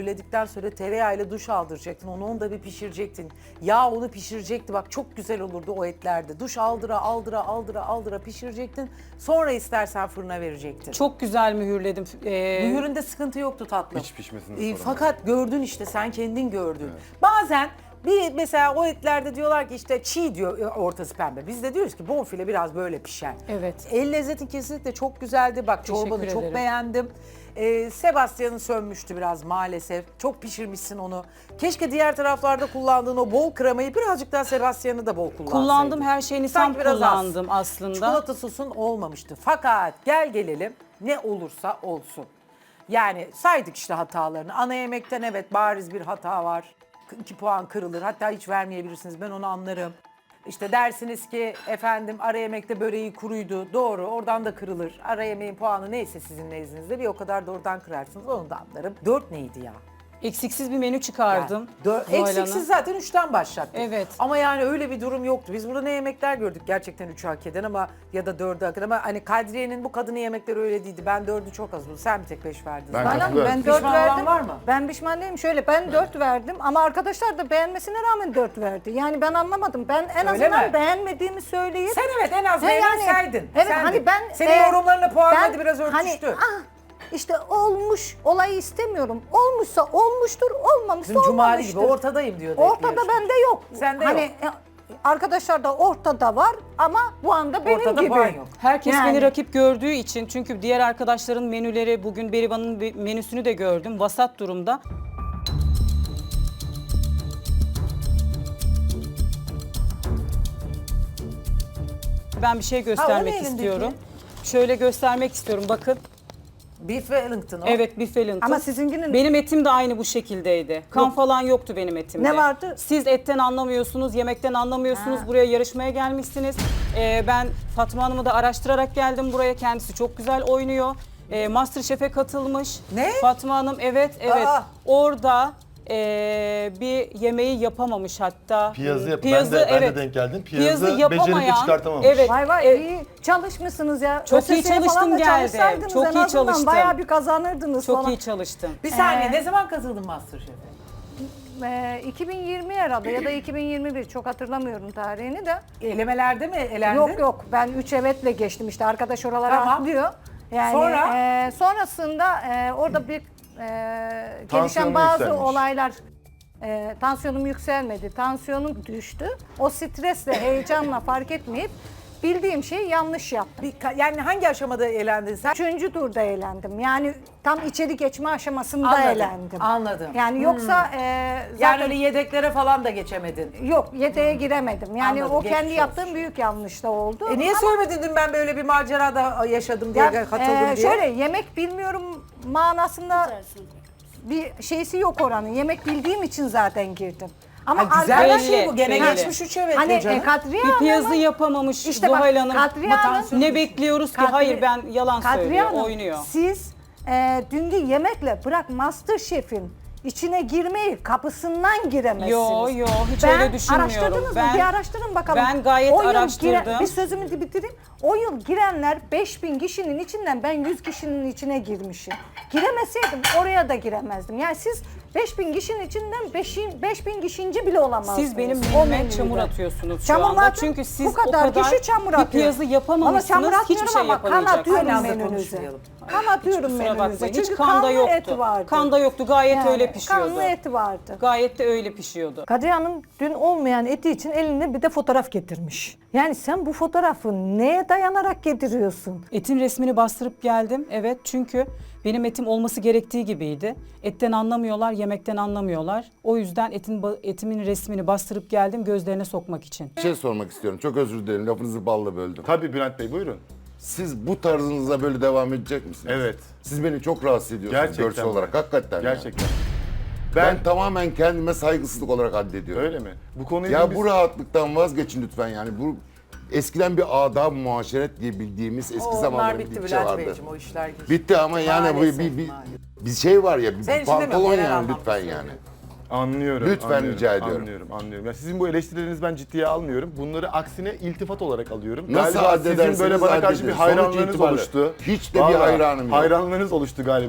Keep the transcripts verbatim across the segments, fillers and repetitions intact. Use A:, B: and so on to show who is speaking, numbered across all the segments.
A: mühürledikten sonra tereyağıyla duş aldıracaktın. Onu onu da bir pişirecektin. Yağ onu pişirecekti. Bak çok güzel olurdu o etlerde. Duş aldıra aldıra aldıra aldıra pişirecektin. Sonra istersen fırına verecektin.
B: Çok güzel mühürledim. Ee,
A: Mühüründe sıkıntı yoktu tatlım.
C: Hiç pişmesinde
A: Ee,
C: sorun
A: Fakat gördün işte sen kendin gördün. Bazen bir mesela o etlerde diyorlar ki işte çiğ diyor ortası pembe. Biz de diyoruz ki bonfile biraz böyle pişer.
B: Evet.
A: El lezzeti kesinlikle çok güzeldi. Bak
B: Teşekkür
A: çorbanı çok
B: ederim.
A: beğendim. Ee, Sebastian'ın sönmüştü biraz maalesef. Çok pişirmişsin onu. Keşke diğer taraflarda kullandığın o bol kremayı birazcık daha Sebastian'ı da bol kullansaydın.
B: Kullandım, her şeyini tam
A: Sanki biraz az.
B: kullandım aslında.
A: Çikolata sosun olmamıştı. Fakat gel gelelim ne olursa olsun. Yani saydık işte hatalarını. Ana yemekten evet bariz bir hata var. iki puan kırılır. Hatta hiç vermeyebilirsiniz. Ben onu anlarım. İşte dersiniz ki efendim ara yemekte böreği kuruydu. Doğru oradan da kırılır. Ara yemeğin puanı neyse sizin nezdinizde bir o kadar da oradan kırarsınız. Onu da anlarım. Dört neydi ya?
B: Eksiksiz bir menü çıkardım.
A: Dör-
B: Zuhal Hanım.
A: Eksiksiz zaten üçten başlattık.
B: Evet.
A: Ama yani öyle bir durum yoktu. Biz burada ne yemekler gördük gerçekten üçü hak eden ama ya da dördü hak eden ama hani Kadriye'nin bu kadını yemekleri öyle değildi. Ben dördü çok az buldum. Sen bir tek beş verdin.
C: Ben
A: zaten.
D: Aynen,
C: katılıyorum.
D: ben dört
A: Pişman olan
D: verdim.
A: var mı?
D: Ben pişman değilim. Şöyle ben dört verdim ama arkadaşlar da beğenmesine rağmen dört verdi. Yani ben anlamadım. Ben en
A: Öyle
D: azından
A: mi?
D: beğenmediğimi söyleyip
A: Sen evet en az
D: He
A: beğenirseydin.
D: Evet
A: Sendin.
D: hani ben
A: Senin
D: e,
A: yorumlarına puan
D: ben
A: hadi biraz örtüştü.
D: Hani, ah, işte olmuş olayı istemiyorum. Olmuşsa olmuştur, olmamışsa
A: Bizim Cumali
D: olmamıştır.
A: gibi ortadayım diyordu.
D: Ortada
A: hep
D: bende yok.
A: Sende
D: hani,
A: yok.
D: e, Arkadaşlar da ortada var ama bu anda benim
A: Ortada
D: gibi.
A: puan yok.
B: Herkes
D: Yani.
B: beni rakip gördüğü için, çünkü diğer arkadaşların menüleri, bugün Berivan'ın bir menüsünü de gördüm. Vasat durumda. Ben bir şey göstermek
A: elindeki?
B: istiyorum. Şöyle göstermek istiyorum, bakın.
A: Beef Wellington o.
B: Evet, Beef Wellington.
D: Ama sizinkinin-
B: Benim etim de aynı bu şekildeydi. Kan
D: Yok.
B: falan yoktu benim etimde.
D: Ne vardı?
B: Siz etten anlamıyorsunuz, yemekten anlamıyorsunuz.
D: Ha.
B: Buraya yarışmaya gelmişsiniz. Ee, ben Fatma Hanım'ı da araştırarak geldim buraya. Kendisi çok güzel oynuyor. Ee, Masterchef'e katılmış.
A: Ne?
B: Fatma Hanım, evet, evet.
A: Aa.
B: Orada ee, bir yemeği yapamamış hatta.
C: Piyazı yap.
B: Piyazı,
C: ben de, ben
B: evet.
C: de denk geldim.
B: Piyazı
C: Piyazı,
B: yapamayan,
C: becerip de çıkartamamış.
B: evet.
D: Vay vay
B: Evet.
D: iyi çalışmışsınız ya.
B: Çok iyi
D: ÖSS'ye falan
B: çalıştım
D: da
B: geldim.
D: çalışsaydınız
B: Çok
D: en
B: iyi
D: azından
B: çalıştım.
D: Bayağı bir kazanırdınız
B: Çok
D: falan.
B: iyi çalıştım.
A: Bir saniye
D: Ee,
A: ne zaman katıldın Masterchef'e?
D: Ee, iki bin yirmi herhalde ya da iki bin yirmi bir çok hatırlamıyorum tarihini de.
A: Elemelerde mi elendin?
D: Yok yok ben üç evetle geçtim işte arkadaş oralara
A: Tamam.
D: atlıyor. Yani
A: Sonra?
D: e, sonrasında e, orada bir e, gelişen
C: Tansiyonun
D: bazı
C: yükselmiş.
D: olaylar e, tansiyonum yükselmedi. Tansiyonum düştü. O stresle, heyecanla fark etmeyip bildiğim şeyi yanlış yaptım.
A: Bir ka- yani hangi aşamada elendin sen?
D: Üçüncü turda eğlendim. Yani tam içeri geçme aşamasında
A: Anladım,
D: eğlendim.
A: anladım.
D: Yani yoksa e,
A: Yani
D: zaten
A: öyle yedeklere falan da geçemedin.
D: yok yedeğe giremedim. Yani
A: Anladım,
D: o kendi
A: geçmiş
D: yaptığım
A: olsun.
D: büyük yanlış da oldu.
A: E niye
D: Ama-
A: söylemedin dün ben böyle bir macerada yaşadım diye
D: Ya,
A: katıldım
D: e,
A: diye?
D: Şöyle yemek bilmiyorum manasında bir şeysi yok oranın. Yemek bildiğim için zaten girdim. Ama
A: Ha, güzel bir
D: arkadaş-
A: şey bu. Gene
B: belli.
A: geçmiş üç evet
D: Hani
A: canım.
D: e, Kadriye
B: Bir piyazı
D: Hanım'ın-
B: yapamamış
D: İşte bak,
B: Zuhal Hanım.
D: Kadriye
B: Ama
D: Hanım-
B: tansiyon- ne bekliyoruz ki?
D: Kadri-
B: Hayır, ben yalan
D: Kadriye
B: söylüyor,
D: Hanım,
B: oynuyor.
D: Siz e, dünkü yemekle bırak Masterchef'in içine girmeyi kapısından giremezsiniz.
B: Yo, yo, hiç
D: ben,
B: öyle düşünmüyorum.
D: Araştırdınız
B: Ben-
D: mı? Bir araştırın bakalım.
B: ben gayet
D: O yıl
B: araştırdım.
D: giren- bir sözümü bitireyim. O yıl girenler beş bin kişinin içinden ben yüz kişinin içine girmişim. Giremeseydim oraya da giremezdim. Yani siz beş bin kişinin içinden beş bin kişinci bile olamazdınız.
B: Siz benim
D: o
B: menüme
D: menüde.
B: çamur atıyorsunuz şu
D: Çamur
B: anda.
D: atın,
B: Çünkü siz
D: bu kadar,
B: o kadar
D: kişi çamur
B: bir
D: atıyor.
B: piyazı
D: Ama
B: yapamamışsınız,
D: çamur
B: hiçbir
D: atmıyorum
B: şey
D: ama kan
B: yapamayacaksınız.
D: atıyorum
A: Aynı anda
D: menünüze.
A: konuşmayalım.
D: Kan atıyorum
B: Kusura
D: menünüze.
B: bakmayın,
D: Çünkü
B: hiç kanda
D: kanlı
B: yoktu.
D: et vardı.
B: Kanda yoktu, gayet
D: Yani
B: öyle pişiyordu.
D: Kanlı et vardı.
B: Gayet de öyle pişiyordu.
D: Kadriye Hanım dün olmayan eti için eline bir de fotoğraf getirmiş. Yani sen bu fotoğrafı neye dayanarak getiriyorsun?
B: Etin resmini bastırıp geldim. Evet, çünkü benim etim olması gerektiği gibiydi. Etten anlamıyorlar, yemekten anlamıyorlar. O yüzden etin ba- etimin resmini bastırıp geldim gözlerine sokmak için.
E: Bir şey sormak istiyorum. Çok özür dilerim. Lafınızı balla böldüm.
C: Tabii Bülent Bey buyurun.
E: Siz bu tarzınızla böyle devam edecek misiniz?
C: Evet.
E: Siz beni çok rahatsız ediyorsunuz
C: Gerçekten
E: görsel
C: mi?
E: olarak. Hakikaten. yani.
C: Gerçekten.
E: Ben,
C: Ben,
E: tamamen kendime saygısızlık olarak addediyorum.
C: öyle mi? Bu konuyu
E: Ya
C: biz-
E: bu rahatlıktan vazgeçin lütfen yani. Bu eskiden bir adab muaşeret diye bildiğimiz eski
A: O, onlar
E: zamanlarda
A: bitti
E: bir şey
A: Bülent
E: vardı.
A: Beyciğim o işler geçti.
E: Bitti ama yani bu
A: Maalesef,
E: bir, bir,
A: maalesef.
E: bir şey var ya, bir
A: Senin için demiyorum,
E: pantolon
A: genel
E: yani
A: anlamda
E: lütfen
A: söylüyorum.
E: yani.
C: Anlıyorum.
E: Lütfen
C: anlıyorum,
E: rica ediyorum.
C: Anlıyorum, anlıyorum. Ya sizin bu eleştirilerinizi ben ciddiye almıyorum. Bunları aksine iltifat olarak alıyorum.
E: Nasıl
C: galiba
E: addedersiniz,
C: sizin böyle bana karşı
E: addedin.
C: bir
E: Sonuç
C: hayranlığınız
E: itibariyle
C: oluştu.
E: hiç de bir
C: Vallahi
E: hayranım yok.
C: Hayranlığınız oluştu galiba.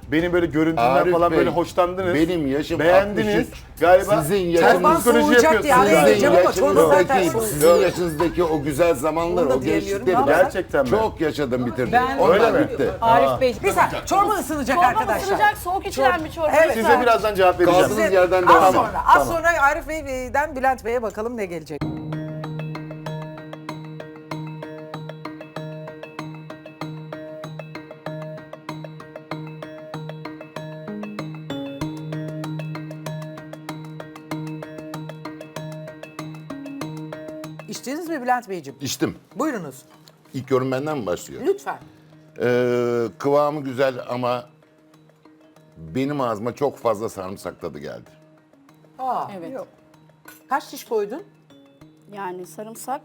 C: benim böyle görüntümden
E: Arif
C: falan
E: Bey,
C: böyle hoşlandınız.
E: benim yaşım
C: beğendiniz.
E: altmış üç.
C: Galiba
E: Sizin
C: ters
E: yaşınız-
C: psikoloji
A: Soğuyacak diye araya
C: yapıyorsunuz.
A: gireceğim
E: Sizin
A: ama çorba zaten
E: yaşınızdaki,
A: soğuk.
E: sizin yaşınızdaki o güzel zamanlar,
A: Onu da
E: o
A: diyemiyorum
E: gençlikleri
A: ama-
E: ben
C: Gerçekten mi?
E: çok yaşadım bitirdim.
B: Ben-
E: Onlar
C: Öyle mi?
E: bitti.
B: Arif Bey,
A: Bir saniye çorba ısınacak
F: Çorba
A: arkadaşlar.
F: ısınacak, soğuk içilen bir çorba.
A: Evet.
C: Size birazdan cevap vereceğim.
E: Kaldığınız
A: Size-
E: yerden
A: az
E: devam.
A: sonra, az
C: Tamam.
A: sonra Arif Bey'den Bülent Bey'e bakalım ne gelecek. İçtiniz mi Bülent Beyciğim?
E: İçtim.
A: Buyurunuz.
E: İlk yorum benden mi başlıyor?
A: Lütfen.
E: Ee, kıvamı güzel ama benim ağzıma çok fazla sarımsak tadı geldi.
A: Aa,
B: evet.
A: yok. Kaç diş koydun?
F: Yani sarımsak.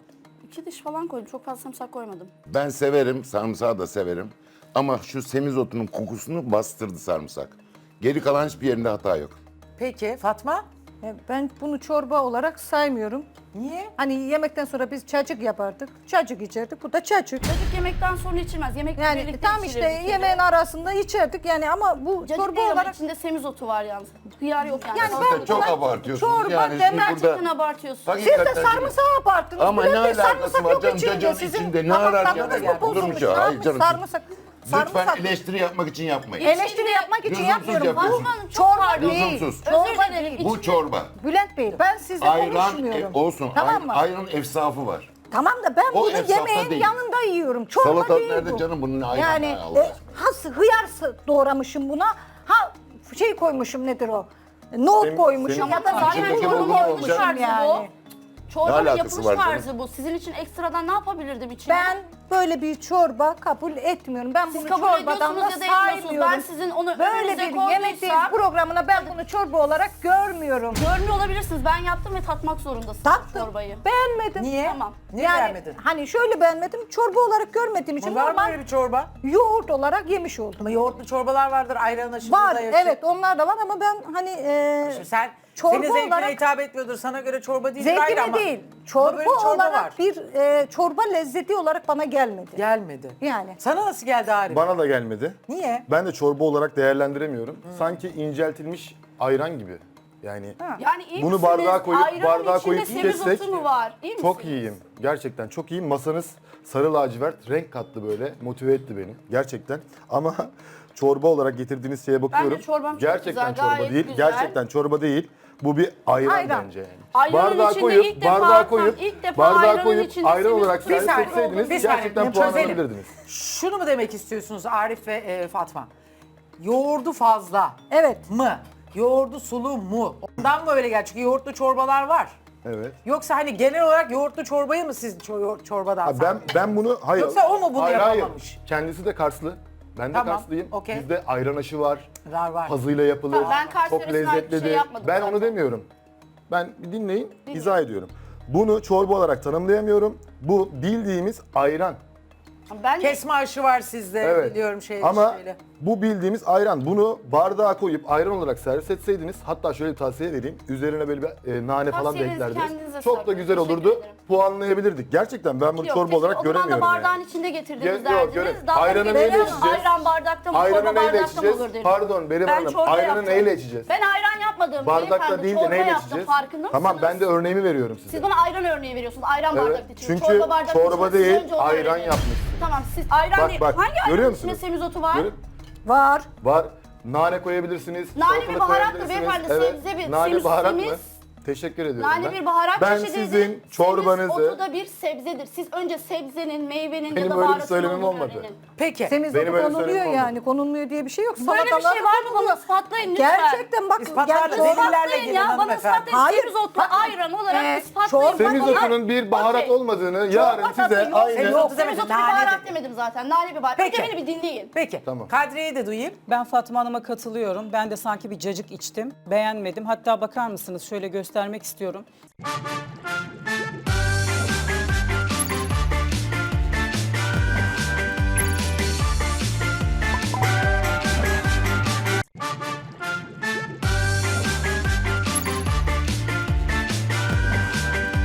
F: iki diş falan koydum. Çok fazla sarımsak koymadım.
E: Ben severim, sarımsağı da severim. Ama şu semizotunun kokusunu bastırdı sarımsak. Geri kalan hiçbir yerinde hata yok.
A: Peki Fatma?
D: E, Ben bunu çorba olarak saymıyorum.
A: Niye?
D: Hani yemekten sonra biz cacık yapardık. Cacık içerdik. Bu da cacık.
F: Cacık yemekten sonra içilmez. Yemekle
D: Yani
F: birlikte
D: tam
F: içilir
D: işte
F: bir kere.
D: yemeğin arasında içerdik yani ama bu
F: Cacık
D: çorba
F: değil ama
D: olarak
F: içinde semizotu var yalnız. Hıyar yok yani.
D: Yani
F: Salata
D: ben-
E: Çok
F: var.
E: abartıyorsunuz.
D: çorba
E: yani şimdi
D: demem,
E: burada...
F: Gerçekten abartıyorsun.
D: siz de
E: Hakikaten şimdi-
D: sarımsağı abarttınız.
E: Ama
D: Bülent
E: ne
D: Bey,
E: alakası
D: sarımsak
E: var
D: yok
E: canım?
D: içinde.
E: Cacığın
D: Sizin
E: içinde ne
D: damak
E: arar
D: tadınız
E: yani?
D: mı bozulmuş?
E: Olur mu
D: Ne
E: canım? Hayır
D: yapmış?
E: canım.
D: Sarımsak.
E: Lütfen
D: Sarımsak.
E: eleştiri yapmak için yapmayın.
D: Eleştiri yapmak için
E: Lüzumsuz
D: yapmıyorum.
E: yapıyorsun.
D: Bu
F: Fatma Hanım, çok
D: çorba
F: pardon.
D: değil.
E: Lüzumsuz.
D: Çorba
F: Özür dilerim.
D: değil.
E: Bu çorba.
D: Bülent Bey ben sizle
E: Ayran
D: konuşmuyorum.
E: e, olsun.
D: Tamam
E: Ay-
D: mı?
E: ayran efsafı var.
D: Tamam da ben
E: O
D: bunu
E: efsafta
D: yemeğin
E: değil.
D: yanında yiyorum. Çorba
E: Salatalık
D: değil
E: nerede
D: bu.
E: canım? Bunun ayranı
D: Yani
E: ne Allah
D: e,
E: aşkına?
D: has, hıyar s- doğramışım buna. Ha şey koymuşum nedir o? Nohut
C: Senin-
D: koymuşum
C: senin-
D: ya da
F: Zaten
E: İçindeki
F: çorbanın
E: bulgur
F: yapılış
E: olacak.
F: tarzı
D: Yani.
F: bu. Çorbanın
E: Ne alakası
F: yapılış
E: var canım?
F: tarzı bu. Sizin için ekstradan ne yapabilirdim içine?
D: ben böyle bir çorba kabul etmiyorum. Ben
F: Siz
D: bunu
F: kabul
D: çorbadan da
F: ediyorsunuz ya da etmiyorsunuz.
D: saymıyorum.
F: Ben sizin onu
D: Böyle
F: önünüze
D: bir yemek
F: koyduysam
D: programına ben bunu çorba olarak görmüyorum.
F: görmüyor olabilirsiniz. Ben yaptım ve tatmak zorundasınız
D: Tattım.
F: çorbayı.
D: Beğenmedim.
A: Niye?
F: Tamam.
A: Niye
D: yani,
A: beğenmedin?
D: Hani şöyle beğenmedim. Çorba olarak görmediğim için
A: Var mı
D: normal
A: öyle bir çorba?
D: yoğurt olarak yemiş oldum.
A: Ama yoğurtlu çorbalar vardır, ayran aşırı
D: Var
A: da yakışır.
D: evet onlar da var ama ben hani e,
A: Sen,
D: çorba
A: senin zevkine
D: olarak-
A: hitap etmiyordur. Sana göre çorba değil ayrı
D: zevkime
A: ama.
D: değil.
A: Ama
D: Çorba,
A: böyle bir çorba
D: olarak
A: var.
D: bir e, çorba lezzeti olarak bana gelmedi.
A: Gelmedi.
D: Yani.
A: Sana nasıl geldi Arif?
C: Bana da gelmedi.
A: Niye?
C: Ben de çorba olarak değerlendiremiyorum. Sanki inceltilmiş ayran gibi. Yani
F: Yani iyi
C: Bunu
F: misiniz?
C: bardağa koyup-
F: Ayranın
C: bardağa
F: içinde
C: koyup
F: semizotu
C: kessek
F: mu var? İyi
C: çok
F: misiniz?
C: iyiyim. Gerçekten çok iyiyim. Masanız sarı lacivert renk kattı böyle. Motive etti beni. Gerçekten. Ama çorba olarak getirdiğiniz şeye bakıyorum.
F: çorbam çok
C: Gerçekten
F: güzel,
C: çorba
F: gayet
C: değil.
F: güzel.
C: Gerçekten çorba değil. Bu bir ayran,
D: Ayran.
C: bence yani.
F: Ayranın
C: bardağa
F: içinde
C: koyup,
F: ilk defa-
C: bardağa koyup,
F: ilk defa
C: bardağa
F: ayranın
C: koyup
F: içinde
C: ayran olarak
F: semizotu-
C: servis
A: Bir saniye,
C: etseydiniz
A: bir saniye,
C: gerçekten
A: çözelim.
C: puan alabilirdiniz.
A: Şunu mu demek istiyorsunuz Arif ve e, Fatma? Yoğurdu fazla
D: Evet.
A: mı? Yoğurdu sulu mu? Ondan mı öyle geldi? Çünkü yoğurtlu çorbalar var.
C: Evet.
A: Yoksa hani genel olarak yoğurtlu çorbayı mı siz ço- çorbadan
C: Ha, ben
A: saydınız?
C: ben bunu hayır.
A: Yoksa o mu bunu
C: hayır,
A: yapamamış?
C: Hayır. Kendisi de Karslı. Ben de
A: Tamam,
C: Karslıyım.
A: okey.
C: Bizde ayran aşı var.
A: Var var.
C: Pazıyla yapılır.
F: Tamam, ben Kars
C: çok
F: yöresine ait bir
C: lezzetlidir.
F: şey yapmadım
C: ben
F: zaten.
C: onu demiyorum. Ben bir dinleyin, izah ediyorum. Bunu çorba olarak tanımlayamıyorum. Bu bildiğimiz ayran.
F: Ben
A: Kesme aşı var sizde
C: Evet.
A: biliyorum şey
C: Ama
A: şeyle.
C: bu bildiğimiz ayran. Bunu bardağa koyup ayran olarak servis etseydiniz, hatta şöyle bir tavsiye vereyim. Üzerine böyle bir e, nane falan da
F: Tavsiyenizi
C: eklerdiniz.
F: kendinize
C: Çok da
F: saklayın.
C: güzel
F: Teşekkür
C: olurdu.
F: ederim.
C: Puanlayabilirdik. Gerçekten ben bunu
F: Yok,
C: çorba
F: keşke
C: olarak
F: o zaman da
C: göremiyorum
F: bardağın
C: yani.
F: içinde getirdiniz
C: Yok, yok,
F: derdiniz.
C: göre-
F: Dalga
C: Ayranı
F: geçerseniz
C: neyle içeceğiz?
F: Ayran bardakta mı,
C: Ayranı
F: çorba
C: neyle
F: bardakta mı
C: içeceğiz?
F: olur derim.
C: Pardon Berim
F: Ben
C: Hanım,
F: çorba
C: ayranı
F: yaptım.
C: neyle içeceğiz?
F: Ben ayran yapmadım.
C: Bardakta
F: beyefendi,
C: değil de
F: çorba
C: neyle
F: yaptım.
C: içeceğiz?
F: Farkında
C: Tamam
F: mısınız?
C: ben de örneğimi veriyorum size.
F: Siz bana ayran örneği veriyorsunuz. Ayran
C: Evet,
F: bardakta için.
C: çünkü
F: çorba bardakta
C: çorba
F: için. Siz
C: değil,
F: önce onu
C: ayran
F: öğrenin.
C: yapmışsınız.
F: Tamam siz ayran
C: Bak,
F: değil.
C: bak,
F: Hangi
C: görüyor
F: ayranın
C: musunuz?
F: içinde semizotu var?
C: Görün-
D: Var.
C: Var. Nane koyabilirsiniz.
F: Nane bir
C: salatalık
F: baharattır
C: koyabilirsiniz.
F: beyefendi, sebze bir-
C: Nane
F: semiz-
C: baharat mı?
F: semiz-
C: Teşekkür ediyorum
F: Nane
C: ben.
F: bir baharat
C: Ben
F: çeşididir.
C: sizin çorbanızı...
F: Semiz otu da bir sebzedir. Siz önce sebzenin, meyvenin
C: Benim
F: ya da
C: öyle bir
F: baharatın
C: söylemim
F: olduğunu
C: olmadı.
F: öğrenin.
A: Peki.
D: Semizotu
C: Benim öyle
D: konuluyor
C: söylemem
D: yani. Konulmuyor diye bir şey yok.
F: Böyle bir şey
D: Salatalar
F: var mı?
D: konuluyor.
F: Bana ispatlayın lütfen.
D: Gerçekten bak.
A: İspatlarla
D: yani
A: delillerle
D: çorba-
F: İspatlayın
A: gelin
F: ya. Bana
A: hanımefendi.
F: ispatlayın.
D: Hayır,
F: Semizotlu
D: bakın.
F: ayran olarak
D: Ee,
F: ispatlayın.
D: çorba-
C: Semizotunun bir baharat
F: Okey.
C: olmadığını yarın
F: Çorba
C: size
F: tadı yok.
C: aynı...
A: Semizotu
F: Semizotu bir
A: nane
F: baharat
A: dedi.
F: demedim zaten. Nane bir baharat.
A: Peki.
F: Önce beni bir dinleyin.
A: Peki.
C: Tamam.
A: Kadriye'yi de duyayım.
B: Ben Fatma Hanım'a katılıyorum. Ben de sanki bir cacık içtim. Beğenmedim. Hatta bakar mısınız şöyle göstermek istiyorum.